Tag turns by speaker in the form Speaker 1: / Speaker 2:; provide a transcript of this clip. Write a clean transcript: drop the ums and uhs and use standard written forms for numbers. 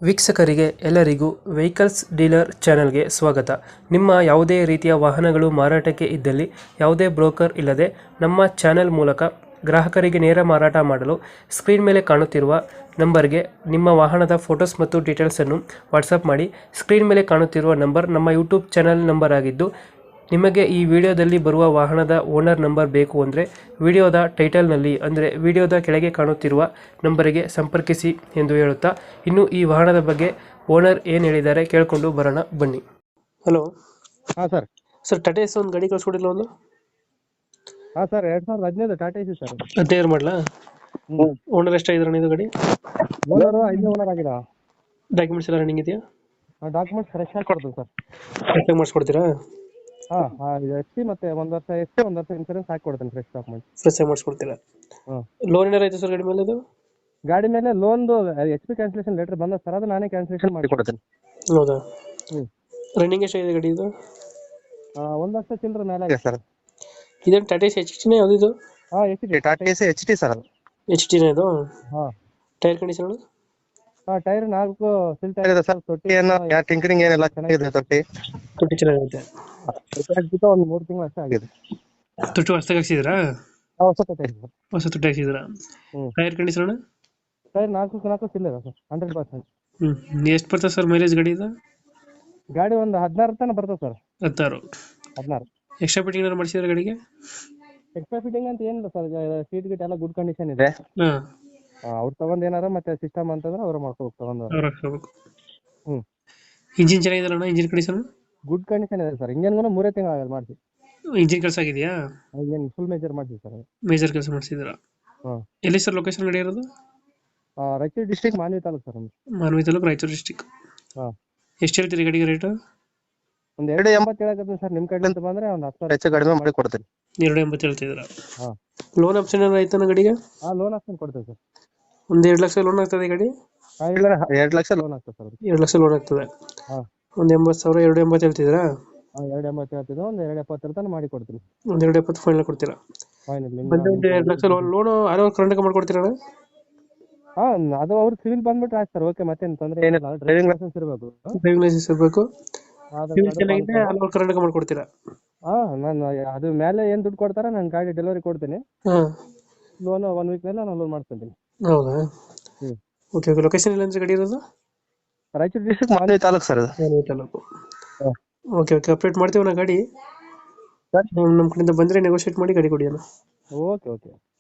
Speaker 1: ವೀಕ್ಷಕರಿಗೆ ಎಲ್ಲರಿಗೂ vehicles dealer ಚಾನೆಲ್ಗೆ ಸ್ವಾಗತ. ನಿಮ್ಮ ಯಾವುದೇ ರೀತಿಯ ವಾಹನಗಳು ಮಾರಾಟಕ್ಕೆ ಇದ್ದಲ್ಲಿ ಯಾವುದೇ ಬ್ರೋಕರ್ ಇಲ್ಲದೆ ನಮ್ಮ ಚಾನೆಲ್ ಮೂಲಕ ಗ್ರಾಹಕರಿಗೆ ನೇರ ಮಾರಾಟ ಮಾಡಲು ಸ್ಕ್ರೀನ್ ಮೇಲೆ ಕಾಣುತ್ತಿರುವ ನಂಬರ್ಗೆ ನಿಮ್ಮ ವಾಹನದ ಫೋಟೋಸ್ ಮತ್ತು ಡೀಟೇಲ್ಸನ್ನು ವಾಟ್ಸಪ್ ಮಾಡಿ. ಸ್ಕ್ರೀನ್ ಮೇಲೆ ಕಾಣುತ್ತಿರುವ ನಂಬರ್ ನಮ್ಮ ಯೂಟ್ಯೂಬ್ ಚಾನೆಲ್ ನಂಬರ್ ಆಗಿದ್ದು, ನಿಮಗೆ ಈ ವಿಡಿಯೋದಲ್ಲಿ ಬರುವ ವಾಹನದ ಓನರ್ ನಂಬರ್ ಬೇಕು ಅಂದರೆ ವಿಡಿಯೋದ ಟೈಟಲ್ನಲ್ಲಿ ಅಂದರೆ ವಿಡಿಯೋದ ಕೆಳಗೆ ಕಾಣುತ್ತಿರುವ ನಂಬರಿಗೆ ಸಂಪರ್ಕಿಸಿ ಎಂದು ಹೇಳುತ್ತಾ, ಇನ್ನು ಈ ವಾಹನದ ಬಗ್ಗೆ ಓನರ್ ಏನು ಹೇಳಿದ್ದಾರೆ ಕೇಳಿಕೊಂಡು ಬರೋಣ ಬನ್ನಿ. ಹಲೋ.
Speaker 2: ಹಾಂ ಸರ್.
Speaker 1: ಸರ್, ಟಾಟಾ ಎಸ್ ಒಂದು ಗಾಡಿ ಕಳಿಸ್ಕೊಡಿಲ್ಲ ಒಂದು?
Speaker 2: ಹಾಂ ಸರ್, 2015 ಟಾಟಾ ಎಸಿ ಸರ್.
Speaker 1: 15 ಮಾಡಲಾ? ಓನರ್ ಎಷ್ಟಾಗಿದ್ರಣ ಇದು ಗಾಡಿ?
Speaker 2: ಓನರು 5 ಓನರ್ ಆಗಿದೆ.
Speaker 1: ಡಾಕ್ಯುಮೆಂಟ್ಸ್ ಎಲ್ಲ ರನ್ನಿಂಗ್ ಇದೆಯಾ?
Speaker 2: ಡಾಕ್ಯುಮೆಂಟ್ಸ್ ಫ್ರೆಶ್ ಆಗಿ ಕೊಡ್ತೀವಿ ಸರ್.
Speaker 1: ಫ್ರೆಶ್ ಮಾಡಿಸ್ಕೊಡ್ತೀರಾ?
Speaker 2: ಹಾಂ, ಎಸ್ ಸಿ ಮತ್ತೆ ಒಂದು ವರ್ಷ ಎಸ್ ಸಿ, ಒಂದು ವರ್ಷ ಇನ್ಸೂರೆನ್ಸ್ ಹಾಕಿ ಕೊಡ್ತೀನಿ. ಫ್ರೆಶ್ ಡಾಕ್ಯುಮೆಂಟ್ಸ್
Speaker 1: ಫ್ರೆಶ್ ಆಗಿ ಮಾಡಿಸ್ಕೊಡ್ತೀರಾ? ಲೋನ್ ಏನಾರು ಐತೆ ಸರ್ ಗಾಡಿ ಮೇಲೆ? ಅದು
Speaker 2: ಗಾಡಿ ಮೇಲೆ ಲೋನ್ದು ಎಚ್ ಪಿ ಕ್ಯಾನ್ಸಲೇಷನ್ ಲೆಟರ್ ಬಂದ ಸರ್, ಅದು ನಾನೇ ಕ್ಯಾನ್ಸಲೇಷನ್ ಮಾಡಿ ಕೊಡ್ತೀನಿ.
Speaker 1: ಹೌದಾ? ರನ್ನಿಂಗ್ ಎಷ್ಟಾಗಿದೆ ಗಾಡಿ ಇದು?
Speaker 2: 1 ಲಕ್ಷ ಚಿಲ್ಲರೆ ಮೇಲೆ ಆಗಿದೆ ಸರ್.
Speaker 1: ಇದೇನು ಟಾಟಾ ಎಸ್ ಎಚ್ ಟಿನೇ ಯಾವುದು ಇದು?
Speaker 2: ಹಾಂ, H T Tata AC H T sir ಅದು.
Speaker 1: ಎಚ್ ಟಿನೇ ಇದು?
Speaker 2: ಹಾಂ.
Speaker 1: Tyre condition?
Speaker 2: Tyre 4 seal tyre ಇದೆ ಸರ್. ತೊಟ್ಟಿ ಏನು ಟಿಂಕರಿಂಗ್ ಏನಿಲ್ಲ, ಚೆನ್ನಾಗಿದೆ ತೊಟ್ಟಿ.
Speaker 1: ತೊಟ್ಟಿ ಚೆನ್ನಾಗೈತೆ.
Speaker 2: ಒಂದು 3 ತಿಂಗಳು ಅಷ್ಟೇ ಆಗಿದೆ.
Speaker 1: ತೊಟ್ಟಿ ಹೊಸದಾಗಿ ಹಾಕ್ಸಿದ್ರಾ?
Speaker 2: ಹೊಸ ತೊಟ್ಟಿ ಇದೆ ಸರ್.
Speaker 1: ಹೊಸ ತೊಟ್ಟಿ ಹಾಕ್ಸಿದ್ರಾ? Tyre condition?
Speaker 2: ಟೈರ್ 4 ಸಿಲ್ ಇದೆ ಸರ್, 100%.
Speaker 1: ಎಷ್ಟು ಬರ್ತದೆ ಸರ್ ಮೈಲೇಜ್ ಗಾಡಿ ಇದು?
Speaker 2: ಗಾಡಿ ಒಂದು 16 ತನಕ ಬರ್ತದೆ ಸರ್.
Speaker 1: 16. ಎಕ್ಸ್ಟ್ರಾ ಫಿಟ್ಟಿಂಗ್ ಏನಾರು ಮಾಡಿಸಿದ್ರೆ ಗಾಡಿಗೆ?
Speaker 2: ಎಕ್ಸ್ಟ್ರಾ ಫಿಟ್ಟಿಂಗ್ ಅಂತ ಏನಿಲ್ಲ ಸರ್. ಸೀಟ್ ಗಿಟ್ ಎಲ್ಲ ಗುಡ್ ಕಂಡೀಷನ್ ಇದೆ. ಅವ್ರು ತಗೊಂಡ್ ಏನಾರ ಮತ್ತೆ ಸಿಸ್ಟಮ್ ಅಂತಂದ್ರೆ ಅವ್ರು ಮಾಡ್ಕೋಬೇಕು ತಗೊಂಡು.
Speaker 1: ಇಂಜಿನ್ ಚೆನ್ನಾಗಿದೆಯಲ್ಲ? ಇಂಜಿನ್ ಕಂಡೀಷನ್
Speaker 2: ಗುಡ್ ಕಂಡೀಷನ್ ಇದೆ ಸರ್. ಇಂಜನ್ಗೂ 3 ತಿಂಗಳು ಆಗಲ್ಲ ಮಾಡಿಸಿ.
Speaker 1: ಇಂಜಿನ್ ಕೆಲಸ ಆಗಿದೆಯಾ?
Speaker 2: ಇಂಜನ್ ಫುಲ್ ಮೇಜರ್ ಮಾಡಿಸಿ ಸರ್.
Speaker 1: ಮೇಜರ್ ಕೆಲಸ ಮಾಡಿಸಿದ್ರಾ? ಎಲ್ಲಿ ಸರ್ ಲೊಕೇಶನ್ ಗಾಡಿ ಇರೋದು?
Speaker 2: Raichur district, Manvi taluk sir.
Speaker 1: Manvi taluk, Raichur district. ಎಷ್ಟು ಹೇಳ್ತೀರಿ ಗಾಡಿಗೆ ರೇಟ್?
Speaker 2: ಒಂದು 2.80 ಹೇಳಕತ್ತೀನಿ ಸರ್. ನಿಮ್ಮ ಕಡೆ ಅಂತ ಬಂದ್ರೆ ಒಂದು 10,000 ಹೆಚ್ಚು ಕಡಿಮೆ ಮಾಡಿ ಕೊಡ್ತೀನಿ.
Speaker 1: 2.80 ಹೇಳ್ತಿದ್ದೀರಾ? ಲೋನ್ ಆಪ್ಷನ್ ಏನಾರು ಆಯ್ತಾನ ಗಾಡಿಗೆ?
Speaker 2: ಲೋನ್ ಆಪ್ಷನ್ ಕೊಡ್ತೀವಿ ಸರ್.
Speaker 1: ಒಂದು 2 ಲಕ್ಷ ಲೋನ್ ಆಗ್ತದೆ ಗಾಡಿ?
Speaker 2: ಇಲ್ಲ, 2 ಲಕ್ಷ ಲೋನ್ ಆಗ್ತದೆ ಸರ್.
Speaker 1: 2 ಲಕ್ಷ ಲೋನ್ ಆಗ್ತದೆ. ಒಂದು 80,000, 2.80 ಹೇಳ್ತಿದ್ದೀರಾ?
Speaker 2: 2.80 ಹೇಳ್ತಿದ್ದೆ. ಒಂದು 2.70 ತನಕ ಮಾಡಿ ಕೊಡ್ತೀನಿ.
Speaker 1: ಒಂದು 2.70 ಫೈನಲ್ ಕೊಡ್ತೀರಾ?
Speaker 2: ಫೈನಲ್.
Speaker 1: ಒಂದು 2 lakh loan all over Karnataka ಮಾಡ್ಕೊಡ್ತೀರಾ?
Speaker 2: ಅದು ಅವ್ರು ಸಿವಿಲ್ ಬಂದ್ಬಿಟ್ರೆ ಆಯ್ತು ಸರ್. ಓಕೆ, ಮತ್ತೇನು ತೊಂದರೆ ಏನಿಲ್ಲ. ಡ್ರೈವಿಂಗ್ ಲೈಸೆನ್ಸ್ ಇರಬೇಕು.
Speaker 1: ಡ್ರೈವಿಂಗ್ ಲೈಸೆನ್ಸ್ ಇರಬೇಕು. ಚೆನ್ನಾಗಿದೆ, ಆಲ್ ಓವರ್ ಕರ್ನಾಟಕ ಮಾಡ್ಕೊಡ್ತೀರಾ?
Speaker 2: ನಾನು ಅದು ಮೇಲೆ ಏನು ದುಡ್ಡು ಕೊಡ್ತಾರೆ, ನಾನು ಗಾಡಿ ಡೆಲಿವರಿ ಕೊಡ್ತೀನಿ. ಲೋನ್ 1 ವೀಕ್ ಮೇಲೆ ನಾನು ಲೋನ್ ಮಾಡ್ಕೊತೀನಿ.
Speaker 1: ಹೌದಾ? ಓಕೆ. ಲೊಕೇಶನ್ ಇಲ್ಲ ಅಂದ್ರೆ ಗಾಡಿ ಇರೋದು?
Speaker 2: Raichur district, Manvi taluk sir.
Speaker 1: Manvi taluk. Okay. Update ಮಾಡ್ತೀವಿ ನಾ ಗಾಡಿ. ನಮ್ಮ ಕಡೆಯಿಂದ ಬಂದರೆ ನೆಗೋಷಿಯೇಟ್ ಮಾಡಿ ಗಾಡಿ ಕೊಡಿ ಅಣ್ಣ.
Speaker 2: ಓಕೆ.